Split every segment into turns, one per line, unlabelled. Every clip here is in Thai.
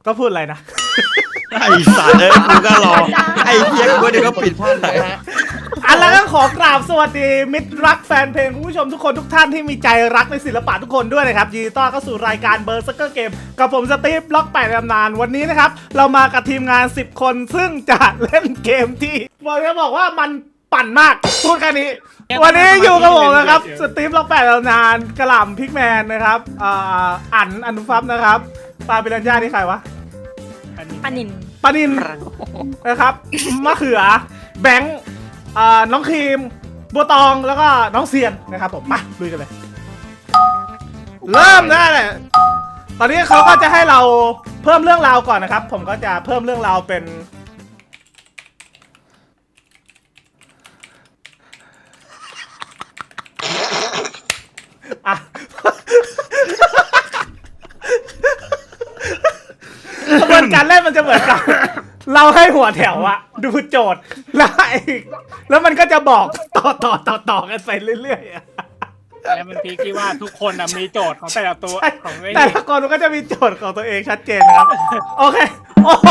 ก็พูดอะไรนะ
ไอ้สัตว์กูก็รอไอ้เหี้ยกูเดี๋ยวก็ปิดพลาดเลยฮะ
แล้วก็ขอกราบสวัสดีมิตรรักแฟนเพลงคุณผู้ชมทุกคนทุกท่านที่มีใจรักในศิลปะทุกคนด้วยนะครับยินดีต้อนรับเข้าสู่รายการเบอร์เซอร์เกมกับผมสตีฟล็อก8ในตำนานวันนี้นะครับเรามากับทีมงาน10คนซึ่งจะเล่นเกมที่บอกว่ามันปั่นมากพูดแค่นี้วันนี้อยู่กับผมนะครับสตีฟล็อก8ในตำนานกระหล่ำพิกแมนนะครับอนุฟับนะครับปาปิรัญญาที่ใครวะ
ปานิน
ปานินนะครับมะเขือแบงค์น้องครีมบัวตองแล้วก็น้องเซียนนะครับผมมาลุยกันเลยเริ่มได้เลยตอนนี้เขาก็จะให้เราเพิ่มเรื่องราวก่อนนะครับผมก็จะเพิ่มเรื่องราวเป็นกระบวนการเล่นมันจะเหมือนกับเราให้หัวแถวอะดูโจทย์แล้วมันก็จะบอกต่อกันไปเรื่อยๆอะ
แล้วมันพีคที่ว่าทุกคนมีโจทย์ของแต่ละตัวของไอ้
แต่ละคนมันก็จะมีโจทย์ของตัวเองชัดเจนนะครับโอเคโอ้โห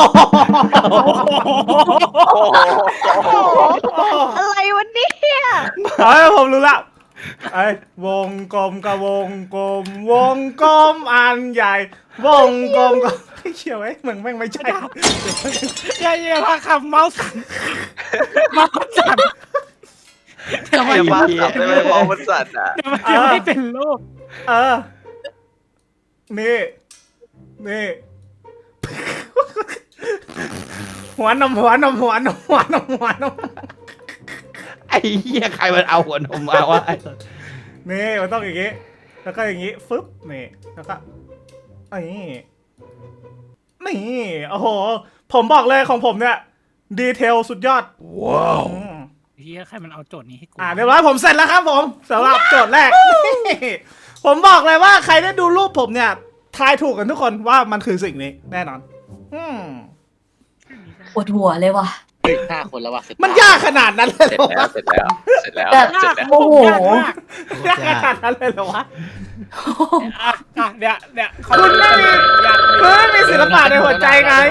อะไรวะเนี่ย
ผมรู้ละไอ้วงกลมกับวงกลมวงกลมอันใหญ่วงกลมก็ไม่เชี่ยวไอ้มึงแม่งไม่ใช่
อย่าพาคำเมาส์สั่นเมาส์สั่นทำไม
ไอ้
วะ
เหี้ย
ไม่มองมันสั่นอ่ะ
ทำไมยังไม่เป็นรูป
นี่หัวนม
ไอ้เหี้ยใครมันเอาหัวนมมาวะ
นี่มันต้องอย่างงี้แล้วก็อย่างงี้ฟึบนี่แล้วก็นี่โอ้โหผมบอกเลยของผมเนี่ยดีเทลสุดยอดว้าว
เฮียใครมันเอาโจทย์นี้ให้กู
เรียบร้อยผมเสร็จแล้วครับผมสำหรับโจทย์แรก ผมบอกเลยว่าใครได้ดูรูปผมเนี่ยทายถูกกันทุกคนว่ามันคือสิ่งนี้แน่นอน
ปวดหัวเลยว่ะ
เฮ้ย5 คนแล้วว่ะ
มันยากขนาดนั้นเลย
เสร็
เหรอ
จแล้ว
วะ
เสร็จแล้วเสร็จแล้ว
แบบ
เสร็จแล้ว
โอ้โห
ยากขนาดนั้นเลยเหรอวะ
เนี่ย
คุณไม่มีคุณไม่มีศิลปะในหัวใจไง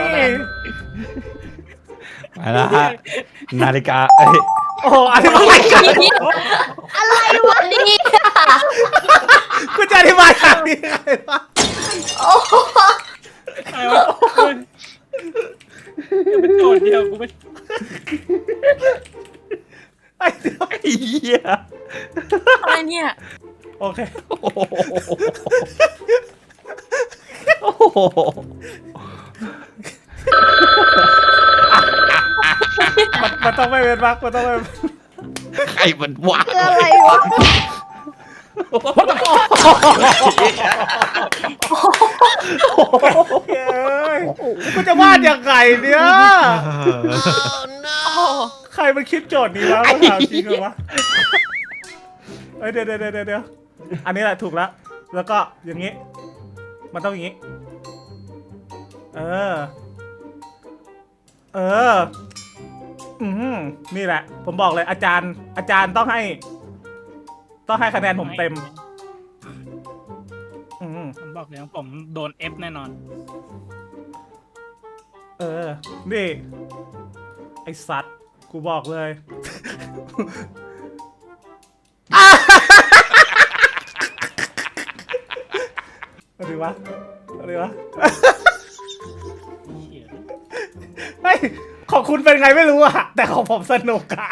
มาแล้วฮะนาฬิกา
โอ้โหอธิบายกัน
อะไรวะเนี่ย
คุณจะอธิบายกันยังไงวะ
โอ้โห
ไอ้วะเป็นโจทย์เดียวกูไม่
ไอ้เดี๋ยว
ไอ้เหี้ย
อะไรเนี่ย
โอเค
โอ้โห
มันต้องไม่เป็นบักมันต้องไม่เป็น
ใครมันวะ
คืออะไรวะ
เฮ้ยกูจะวาดยังไงเนี่ย ใครมันคิดโจทย์นี้วะมาถามจริงเหรอวะเดี๋ยวอันนี้แหละถูกแล้วแล้วก็อย่างนี้มันต้องอย่างนี้นี่แหละผมบอกเลยอาจารย์ต้องให้คะแนนผมเต็ม
ผมบอกเลยผมโดน F แน่นอน
นี่ไอสัตว์กูบอกเลยอะไรวะเฮ้ยของคุณเป็นไงไม่รู้อะแต่ของผมสนุกอะ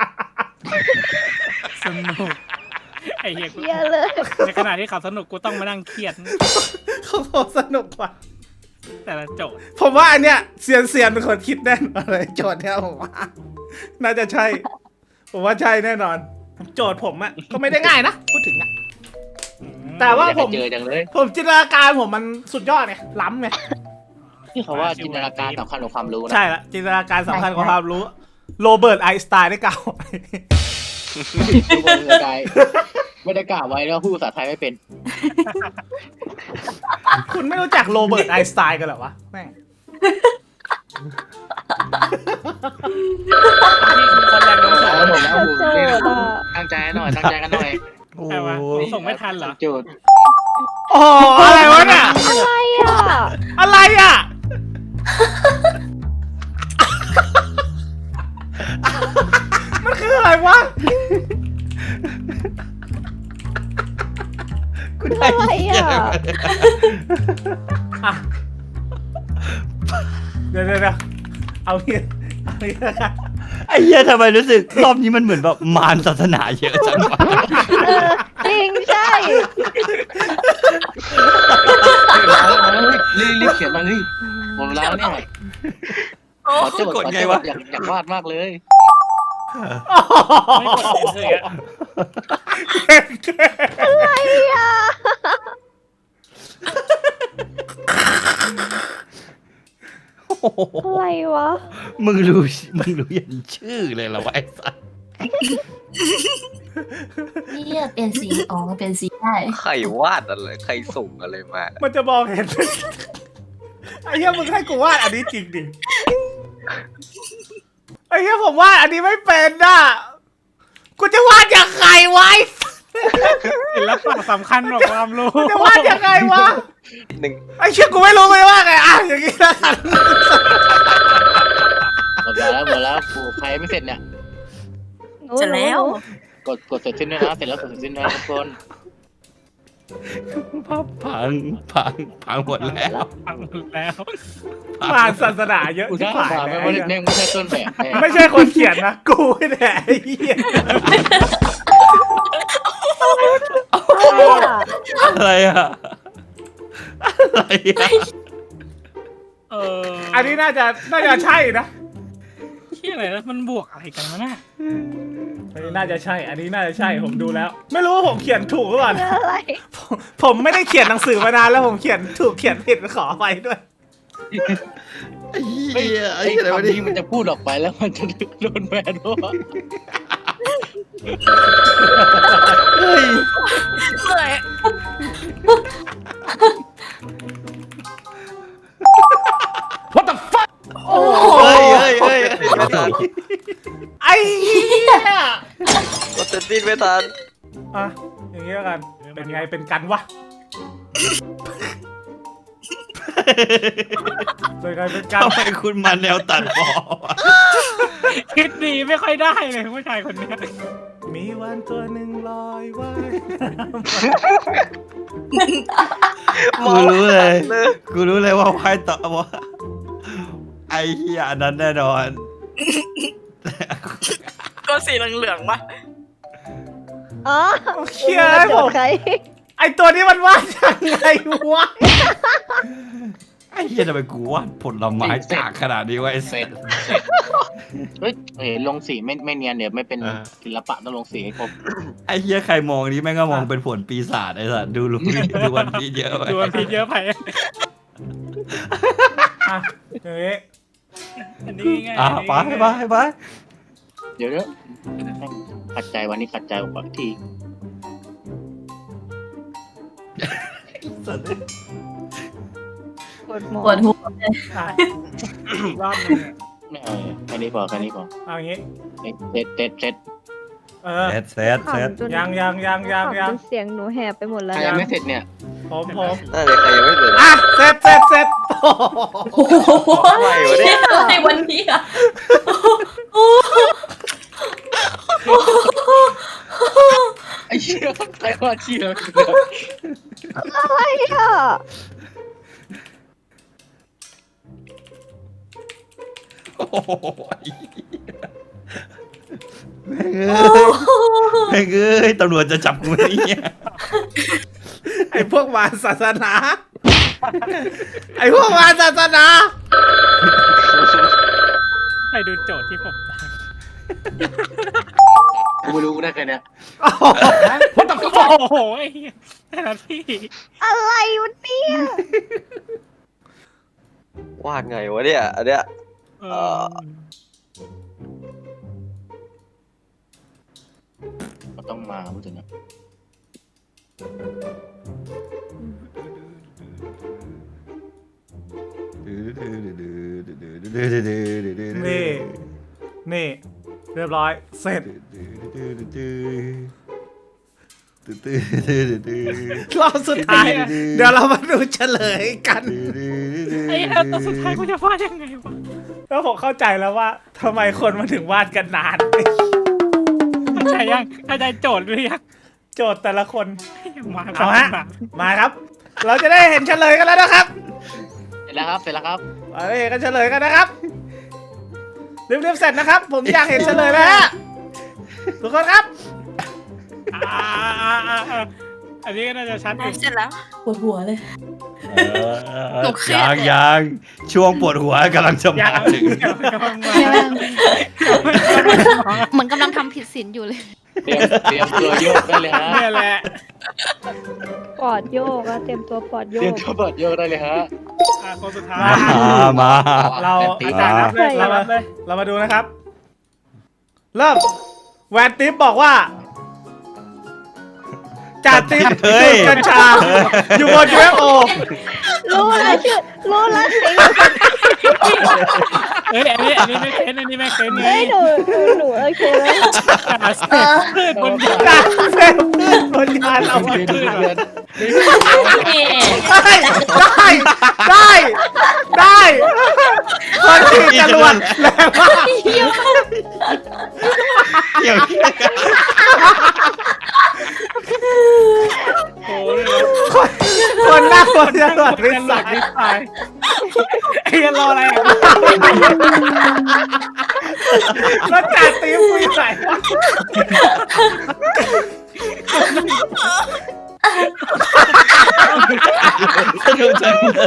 สนุกไอ้เหี้ย
เยอะเลย
ในขณะที่เขาสนุกกูต้องมานั่งเครียด
ของผมสนุกกว่า
แต่ละโจทย์
ผมว่าอันเนี้ยเซียนเป็นคนคิดแน่นอนเลยโจทย์เนี้ยผมว่าน่าจะใช่ผมว่าใช่แน่นอนโจทย์ผมอะก็ไม่ได้ง่ายนะพูดถึงอะแต่ว่าผม
เจอจังเลย
ผมจินตนาการผมมันสุดยอดไงล้ำไง
ที่เขาว่าจินตนาการสำคัญกว่าความรู้นะ
ใช่ละจินตนาการสำคัญกว่าความรู้โรเบิร์ตไอน์สไตน์ได้กล่าวไว้
ทุกคนไม่ได้กล่าวไว้แล้วพูดภาษาไทยไม่เป็น
คุณไม่รู้จักโรเบิร์ตไอน์สไตน์กันเหรอวะแม่ง
นี่คือคนแรงน้ำส
แล้วผม
ง
แล้วผมนี่ตั้งใจหน่อยตั้งใจกันหน่อย
โอ้
ใช่ปะผมส่งไม่ทันเหรอ
จุด
โอ้อะไรวะเนี่ย
อะไรอ่ะ
อะไรอ่ะ
อะไรอ่ะ
อ่ะเดี๋ยวเอาเงี้ยละกัน
ไอ้เหี้ยทำไมรู้สึกรอบนี้มันเหมือนแบบมารศาสนาเยอะจังวะ
จริงใช่
รีบเขียนมาเฮ้ยหมดเวลาแล้วเนี่ยขอโจทย์อยากวาดมากเลย
ไม่กดเลยอ่ะ
อะไรอ่ะ
โอ้โห
อะไรวะ
มึงรู้ยันชื่อเลยเหรอวะไอ้สัส
เนี่ยเป็นสีอ๋อเป็นสีได้
ใครวาดอะไรใครส่งอะไรมา
มันจะมองเห็น ไอ้เหี้ยมึงให้กูวาดอันนี้จริงดิไอ้เหี้ยผมวาดอันนี้ไม่เป็นน่ะกูจะวาดยังไงวะ
ศิลปะสำคัญกว่าความรู้
กูจะวาดยังไงวะ
หนึ่ง
ไอ้เชี่ยกูไม่รู้เลยว่าไงอ่ะอย่างงี้แล้วกัน
หมดแล้วปู่ใครไม่เสร็จเนี่ย
เสร็จแล้ว
กดเสร็จสิ้นด้วยนะเสร็จแล้วกดเสร็จสิ้นนะทุกคน
พังหมดแล้ว
ฟังแล้ว
ผ่านศาสนาเยอะ
กู
ที่
น่า
ผ่าน
ผ่าน
เล
ไม่
ย
ไม่ใช่ต้นแบบแน่
ไม่ใช่คนเขียนนะกูไม่แน่ไอ้เหี้ย
อะไรอะอะไรอะ
อันนี้น่าจะใช่นะ
ที่อะไรนะมันบวกอะไรกันวะน่ะ
อันนี้น่าจะใช่ อันนี้น่าจะใช่ผมดูแล้ว ไม่รู้ว่าผมเขียนถูกหรือเปล่า
อะไร
ผมไม่ได้เขียนหนังสือมานานแล้วผมเขียนถูกเขียนผิดขอไปด้วย
ไอ้เหี้
ไอ้
ยไอ้
ไอ้
อะไรวะ
คำ
นี่
นี้มันจะพูดออกไปแล้วมันจะโดนแบนเพราะว่า
เฮ้ย
เลย
โอ้
เฮ้ย
ไม่ทัน
ไอ้เหี้ย
กดเซนติไม่ทัน
อ่ะอย่างงี้แล้วกัน เป็นไงเป็นกันวะเป็นไงเป็นกัน
ทำไมคุณมาแนวตัดพอวะ
คิดดีไม่ค่อยได้เลยผู้ชายคนเนี้ย
มีวันตัวหนึ่งลอยว่าย
กูรู้เลยว่าไพ่ต่อว่าไอ้เหี้ยอันนั้นแน่นอน
ก็สีเหลืองๆป่ะ
อ๋อ
เชี่ยไอ้ผม
ใคร
ไอตัวนี้มันวาดยังไงวะ
ไอ้เหี้ยทำไมกูวาดผลไม้จากขนาดนี้วะไอ้
เส
เส
ร็
ร็
จ
จ
เฮ้ยลงสีไม่เนียนเดี๋ยวไม่เป็นศิลปะต้องลงสีให้ครบ
ไอ้เหี้ยใครมองนี้แม่งก็มองเป็นผลปีศาจไอ้สัสดูวันนี้เยอะไป
ดูวันพีเยอะไป
อ่ะอย่างงี้
อันนี้ไง
ไป
เดี๋ยวขัดใจวันนี้ขัดใจกว่าที
ปวดหัว
ปวดหัว
อ่ะ
รอบนึง
ไม่เอาแค่นี้พอ
เอาอย่างงี้
เสร็จ
เออ
เสร็จ
ขำจน
ยัง
ขำจนเสียงหนูแหบไปหมดแล้ว
ใครยังไม่เสร็จเนี่ย
ผม
น่าจะใครยังไม่เสร็จ
อ่ะเสร็จโอ้โห
โอ้โหอะไรวันนี้อ่ะ
ไอ้เชี่ยใครว่าเชี่ย
อะไรอ่ะ
โอ้โหแม่งเอ้ยตำรวจจะจับกูไหมเนี่ย
ไอพวกมารศาสนา ไอพวกมารศาสนา
ไปดูโจทย์ที่ผมได้
กูไม่รู้กูได้แค่เนี้ย
โอ้โห
โอ้โหไอ้เหี้ยแต่ละที่
อะไรวะเนี่ย
วาดไงวะเนี่ยอันเนี้ย
เออ
ก็ต้องมาพูดถึงนะ
นี่เรียบร้อยเสร็จรอบสุดท้ายอะเดี๋ยวเรามาดูเฉลยกัน
ไอ้เหี้ยตัวสุดท้ายกูจะวาดยังไงวะ
แล้วผมเข้าใจแล้วว่าทำไมคนมาถึงวาดกันนาน
เข้าใจยังเข้าใจโจทย์หรือยัง
โจทย์แต่ละคน
มา
เอาฮะ มาครับ เราจะได้เห็นเฉลยกันแล้วนะครับ
เสร็จแล้วครับเสร็จแล้วครับ
เอาได้เห็นกันเฉลยกันนะครับรีบๆเสร็จนะครับ ผมอยากเห็นเฉลยแล้วฮะทุกคนครับ
อันนี้ก็น่าจะชัด
เสร็จแล้ว
ปวดหัวเลย
หนูเครียด
ยังช่วงปวดหัวกำลังจะมาถึง
เหมือนกำลังทำผิดศีลอยู่เลย
เตรียมตัวโยกได้เลยฮะ
เนี่ยแหละ
ปอดโยกอะเต็มตัวปอดโย
เตรียม
ก
ตัวเปิดโยกได้เลยฮะ
คนสุดท้าย
มา
เรา
ตี
อาจารย์นับเลยเรามาดูนะครับ เริ่มแวนติ๊บบอกว่าจ่าติ๊บดูดกัญชาอยู่บน UFO
รู้แล้วชื่อรู้แล้วสิ
เฮ้ยอันนี้ไม่เค้นอันนี้ไม่เค้น
เฮ้ยหนูโอเคแล้ว
พืชบนยา
จ่าเซลพืชบนยานเรา
เดือนเดือน
ได้คนขี่จรวดแรงมาก
เกี่ยว
โอ้ย
คนหน้าคนจรวดริ
เป็น
ส
หลั
าก
นิสัยไอ้รออะไร
แล้วจ่าติ๊บคุยใส่วะ
สนุกจังเลย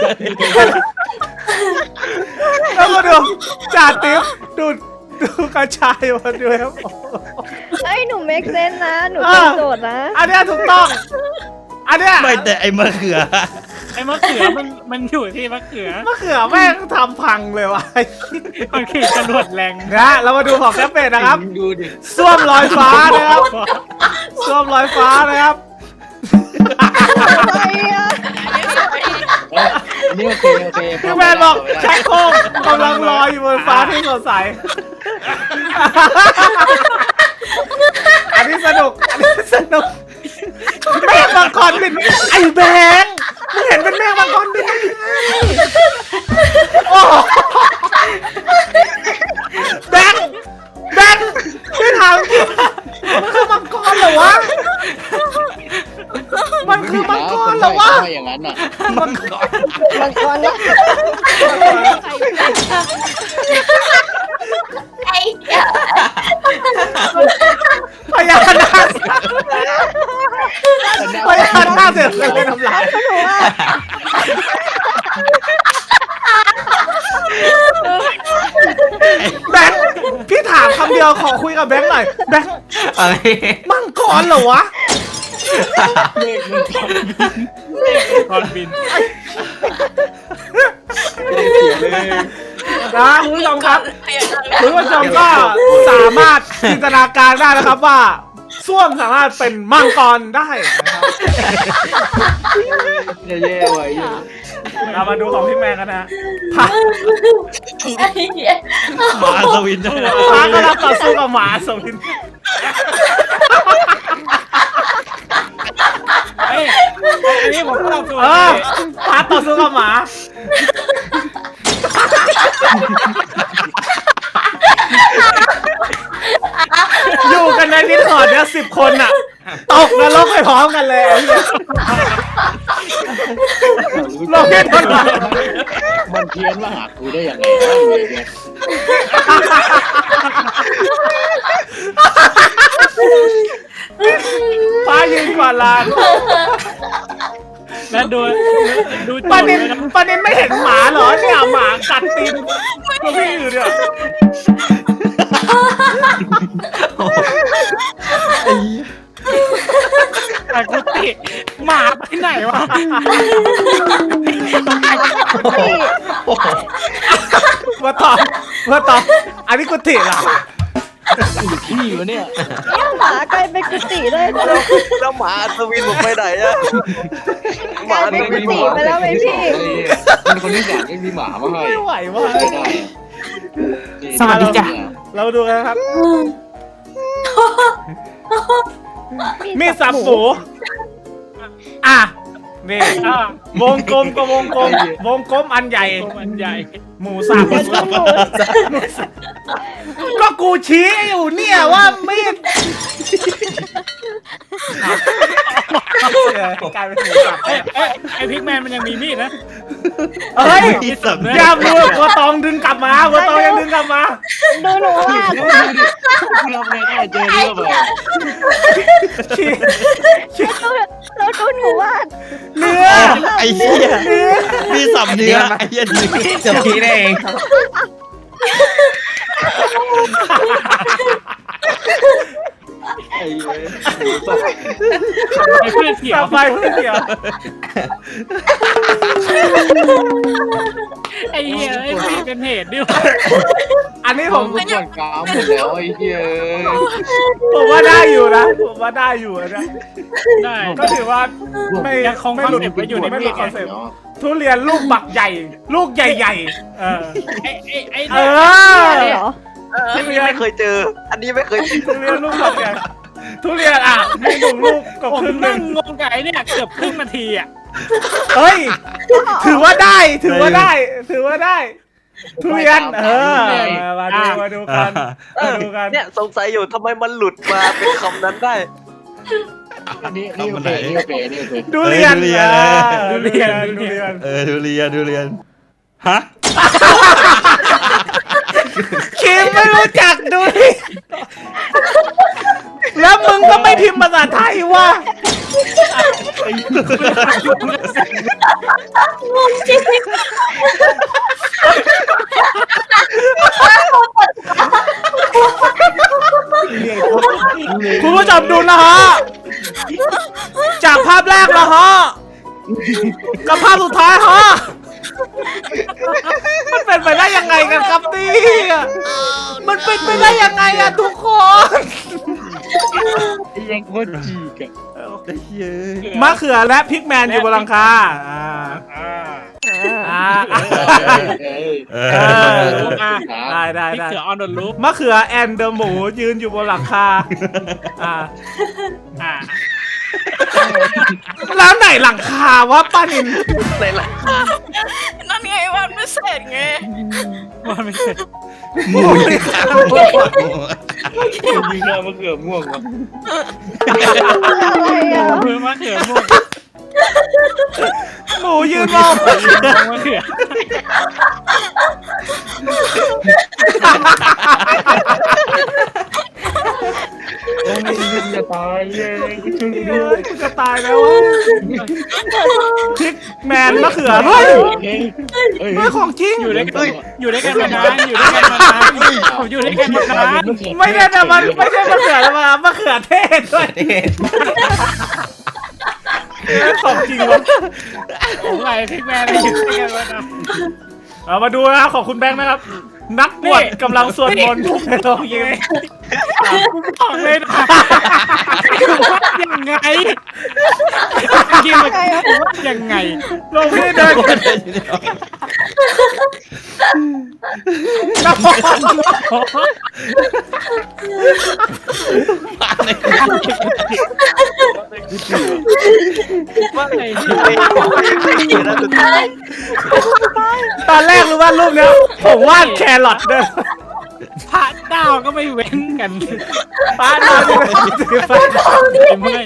แล้วมาดูจ่าติ๊บดูกระชายมาด้วยครับ
เฮ้ยหนูเมคเซนนะหนูเป็นโจทย์นะ
อันเนี้ยถูกต้อง อันเนี้ย
ไม่แต่ไอ้มะเขือ
ไอ้มะเขือมันอยู่ที่มะเขือ
มะเขือแม่งทำพังเลยวะ
มันขี่จรวดแรง
นะเรามาดูของแคปเป็ดนะครับ
ดูดิ
ส้วมลอยฟ้านะครับส้วมลอยฟ้านะครับ
อะไรอะ
อันนี้โอเคโอเค
พี่แมนบอกชักโครกกำลังลอยอยู่บนฟ้าที่สดใส อันนี้สนุก อันนี้สนุกแม่งมังกรบินไอ้แบงค์มึงเห็นเป็นแม่งมังกรบินได้ยังไงโอ้แบงค์ไม่ถามจริงมันคือมังกรเหรอวะ มันคือมังกรเหรอวะ
อย่างนั้นอ่ะ
มังกร
บางคนนะ
ไอ้เหี้ย
พญานาคพญานาคเสือกเลยน้ำลาย
หนูว่า
แบงค์พี่ถามคำเดียวขอคุยกับแบงค์หน่อยแบงค์
อะไร
มังกรเหรอวะ
เมฆมันทำ
ตอนบิน
นะคุณผู้ชมครับ
พยายาม
คุณผู้ชมก็สามารถจินตนาการได้นะครับว่าส้วมสามารถเป็นมังกรได้นะครับ
แย่ๆไว้อยู่
เรามาดูของพี่แมนกันนะพา
ไอ้เหี้ย
หมาสวินด้วยนะ
พากำลังต่อสู้กับหมาสวิน
เฮ้ยอันนี้ผมต้องตัว
พาต่อสู้กับหมา อยู่กันในดิสคอร์ดเนี่ย10 คนอ่ะ ตกนรกไปพร้อมกันเลยไอ้เหี้ยโลกเพศทนาย
มันเพี้ยนมาหากูได้ยังไงวะเนี่ย
ฟ้ายืนกว่าลาน
แล้วดูโจ
ปา
ทย์
นิน
เลยนะ
ปานินไม่เห็นหมาเหรอเนี่ยหมากัดตีนตัวพี่อยู่เนี่ย
แต่กุฏิหมาไปไหนวะ
มาตอบอันนี้กุฏิเหรอ
อยู่ที่วะเนี่ย
เนี่ยหมากลายเป็นกุฏิได้ด้วย
แล้วหมาอัศวินผมไปไหนอะห
ก
มา
ลาย
อั
เป็น
ศ
กุ
วิน
ฏิไปแล้วไหมพี่
เป็นคนที่อยากให้มีหมามาให้
ไม่ไหวว่ะ
ไม่ได้
สวัสดีจ้ะ
เราดูกันนะครับ มีสับหมูอ่ะนี่ วงกลมกับวงกลม วงกลมอันใหญ่
มันใหญ่
หมูสับ
เดี๋ยวดูหมู
ก็กูชี้อยู่เนี่ยว่ามีดกลายเป็นหมูสับ
ไอพิกแมนมันยังมีมีดนะ
เฮ้ย
ที่สับ
อย่ามือวัวตองดึงกลับมาวัวตองยังดึงกลับมา
ดูหนูว่า
กูทำไงได้เจอเรื่องแบบ
เราดูหนูว่า
เนื้อ
ไอ้เหี้ยมีสับเนื้อไอ้เหี้ยเนื้อ
จะพีได้เอง
ไอ้เว้ย
ไอเพื่อนเขีย
ก
ว
ลับไปเพื่อนเดียว
ไอเหี้ยไอพี่เป็นเหตุดิว
อันนี้
ผมก่อนกาวหมดแล้วไอ้เหี้ย
ผมว่าได้อยู่นะผมว่าได้อยู่นะ
ได้
ก็ถือว่าไม่
ยังคง
ไม่
คอน
หลุด
เซ็ปต์ไว้อยู่ใน
ไม่ห
มี
ลุ
ด
ดคอนเซ็ปต์ทุเรียนลูกบักใหญ่ ลูกใหญ่ๆ
ไอ
เอ
ได้
อ
เหรอ
อันนี้ไม่เคยเจอ อันนี้ไม่เคยเจอ
ทุเรียนลูกบักใหญ่ทุเรียนอ่ะมีหนึ่งลูกกับ
ผม
ครึ่งหนึ่
นั่
ง
งงงกับไอเนี่ยเกือบครึ่งนาทีอ่ะ
เฮ้ยถือว่าได้ถือว่าได้ถือว่าได้ ทุเรียนมาดูกันมาดูกัน
เนี่ยสงสัยอยู่ทำไมมันหลุดมาเป็นคำนั้นได้
อันนี้โอเคนี่โอเคนี่โอเค
ทุเรียนทุเรียนทุเรียน
ทุเรียนฮะ
คิมไม่รู้จักดูดิแล้วมึงก็ไม่พิมพ์ภาษาไทยวะ
งงจริง
คุณผู้ชมดูนะฮะจากภาพแรกนะฮะกับภาพสุดท้ายฮะมันเป็นไปได้ยังไงกันครับเนี่ยมันเป็นไปได้ยังไงอะทุกคน
ไอ้ยังโคตรจีกอะ
ไอ้เหี้ย
มะเขือและพริกแมนอยู่บนหลังคาได้
พี่เสือออนโดนลุก
มะเขือแอนเดอร์หมูยืนอยู่บนหลังคาแล้วไหนหลังคาวะป้านิน
ในหลัง
นั่นไงวันไม่เสร็จไง
ว่าไม่เสร็จ
หมูนี่ครับ
ยิงหน้ามะเขือม่วงวะ
อะไรอ่ะ
เพื่อมาเขือม่วง
หมูยืนมอง
มาเขือ
โอ้ยจะตายเลยช่วยด้วย
จะตายแล้วพริกแมนมะเขือเฮ้ยไม่ของจริง
อยู่ด้วยกันมานานผมอยู่ด้วยกันมานาน
ไม่ได้แต่มันไม่ใช่มะเขือแล้วมะเขือเทศด้วยของจริงวะ
ผมไงพิกแมนอยู่ด้วยกันมานาน
เอามาดูนะครับของคุณแบงค์นะครับ นักบวชกำลังสวดมนต์ในโรงยิง
บอกเลยนะว่ายังไงกินมาว่ายังไง
ลงที่เดินน้ำมัน
ไม่ไม่นะสุดท้าย
ตอนแรกรู้ว่ารูปเนี้ยผมวาดแครอทด้วย
พระดาวก็ไม่เว้นกัน
ป้าดาวนี่ถือไฟ
เมื่อย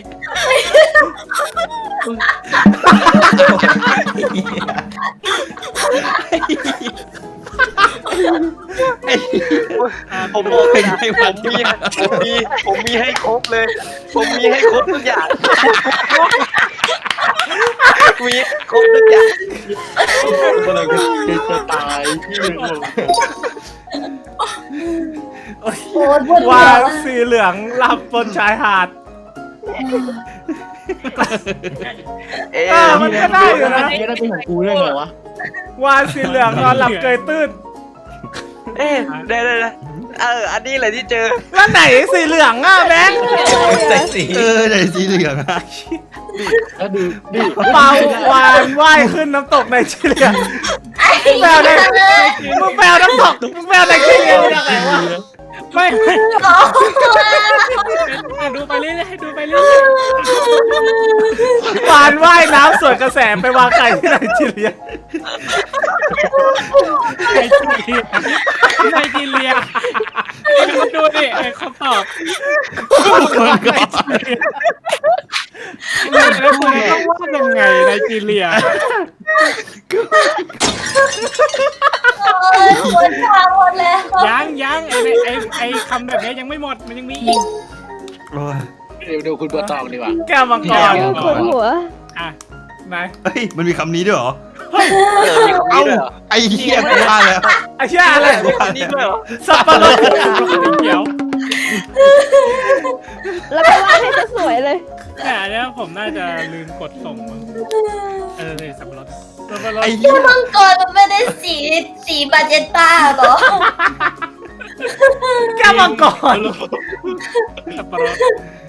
ผมบอกเลยนะผมมีให้ครบเลย ผมมีให้ครบทุกอย่างมีครบทุกอย่าง
กำลังจะตายที่หนึ่ง
โอ้ยปวดหัว
วาดสีเหลืองหลับบนชายหาด มันก็ได้อยู่นะ
นี่ได้เป็นของกูได้ไงวะ
วาดสีเหลืองนอนหลับเกยตื้น
ได้อันนี้แหละที่เจอ
แล้วไหนสีเหลืองอ่ะแบงค์
ใส่สี
ไหนสีเหลืองอะ
แล้วดูดิ
เปาวานว่ายขึ้นน้ำตกในจีเรียแปลในมึงแปลน้ำตกมึงแปลในจีเรียยังไงวะ
ไม่ดูไปเรื่อยดูไปเรื่อยว
านว่ายน้ำสวนกระแสไปวางไข่ที่ไนจีเรีย
ไนจีเรียดูดิไอ้คำตอบ
มังกร
แล้วคุณต้องวาดยังไงไนจีเรีย
โอ้ยปวดขาหมดแล้ว
ยังไอ้คำแบบนี้ยังไม่หมดมันยังมีอีก
โอ้ย
ดูคุณบัวตองดีกว่า
แก้วมังกร
คนหัว
อ่ะไหน
เฮ้ยมันมีคำนี้ด้วยเหรอ
มีคำนี้ด้วยเหรอ
ไอ้เหี้ยไม่ได้แล้ว
ไอ้เชี่ยอะไร
มีคำนี้ด้วยเหรอ
สับปะรด
เขียว
แล้วก็วาดให้สวยเลย
แต่อันเนี้ยผมน่าจะลืมกดส่งมั้งเลยสับปะรด
ไอ้เหี้ย
มังกรมันไม่ได้สีบาเจนต้าหรอ
แก้วมังกร
สับปะรด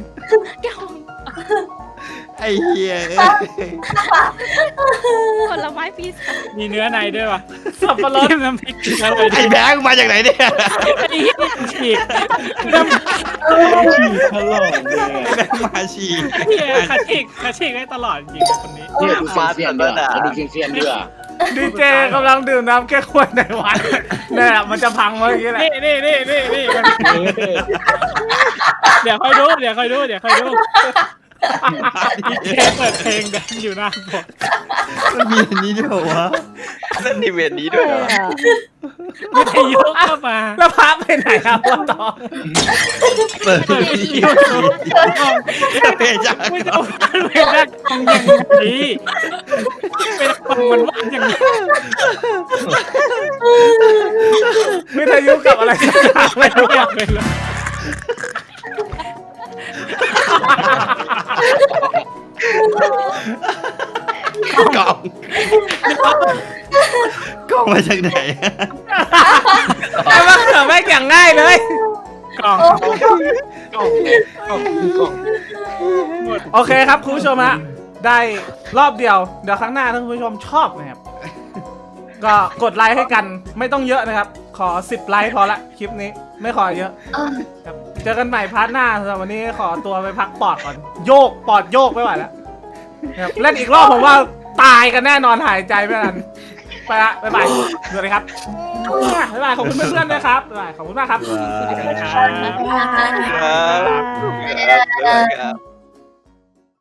ไอ้เหี้ย
ผลไม้ปีศาจ
มีเนื้อในด้วยวะ
สับปะรด
จิ้มน้ำพริกอร่อย
ไอ้แบงค์มาจากไหนเนี่ย
ไอ้เหี้ยฉีกน้ำ
ฉีกตลอดเลย
ไอ้แบงค์มาฉีก
เหี้ยขาฉีกได้ตลอดจริงๆคนนี้
เนี่ยดูเฟียนๆด้วยดูเฟียนๆด้วย
ดีเจกำลังดื่มน้ำแก้ขวดในวันเนี่ยมันจะพังเมื่อกี้แหละ
นี่เดี๋ยวค่อยดูดีเจเปิดเพลงแดนอยู่หน้าผม
มันมีอันนี้ด้วยเหรอวะ
นั่นนี่เวรนี้ด้วยเหรอ
วิทยุเข้ามา
แล้วพระไปไหนครับบัวตอง
เปิด
เปิดวิทยุ
เพจจาก
ไม่จะเอาเพลงแรกทำอย่างนี้เป็นคนมันว่าอย่างนี้
วิทยุกับอะไรสักอย่างไม่
ไม่
รู้
อยากเป็นเลย
กล่องกล่องมาจากไหน
ไอ้มะเขือแม่งอย่างง่ายเลย
กล่อง
กล้องเลยกล้อง
หมด
โอเคครับคุณผู้ชมฮะได้รอบเดียวเดี๋ยวครั้งหน้าถ้าคุณผู้ชมชอบนะครับก็กดไลค์ให้กันไม่ต้องเยอะนะครับ ขอ10ไลค์พอละคลิปนี้ไม่ขอเยอะครับเจอกันใหม่พาร์ทหน้าสำหรับวันนี้ขอตัวไปพักปอดก่อนโยกปอดโยกไม่ไหวแล้วครับเล่นอีกรอบผมว่าตายกันแน่นอนหายใจไม่ทันไปละบ๊ายบายสวัสดีครับบ๊ายบายขอบคุณเพื่อนๆด้วยครับบ๊ายบายขอบคุณมากครับ
ครับ